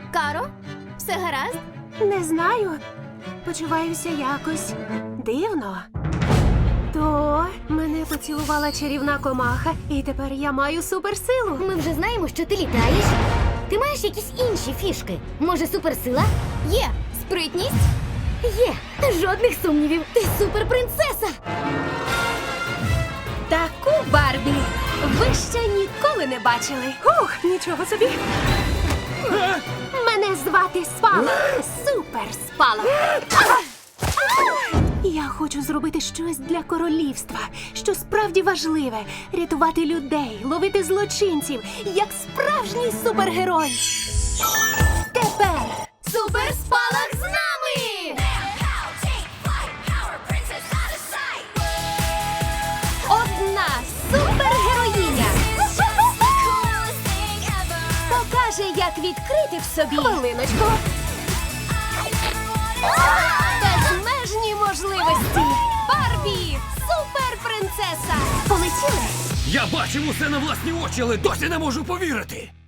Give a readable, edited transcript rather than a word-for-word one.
Каро, все гаразд? Не знаю. Почуваюся якось дивно. То мене поцілувала чарівна комаха, і тепер я маю суперсилу. Ми вже знаємо, що ти літаєш. Ти маєш якісь інші фішки? Може, суперсила? Є спритність. Є. Жодних сумнівів. Ти суперпринцеса. Таку Барбі ви ще ніколи не бачили. Ух, нічого собі. Мене звати Спалах. Супер Спалах. Я хочу зробити щось для королівства, що справді важливе. Рятувати людей, ловити злочинців, як справжній супергерой. Тепер Суперспалах з нами! одна супергероїня покаже, як відкрити в собі хвилиночку. Безмежні можливості. Барбі! Суперпринцеса! Полетіли! Я бачив усе на власні очі, але досі не можу повірити.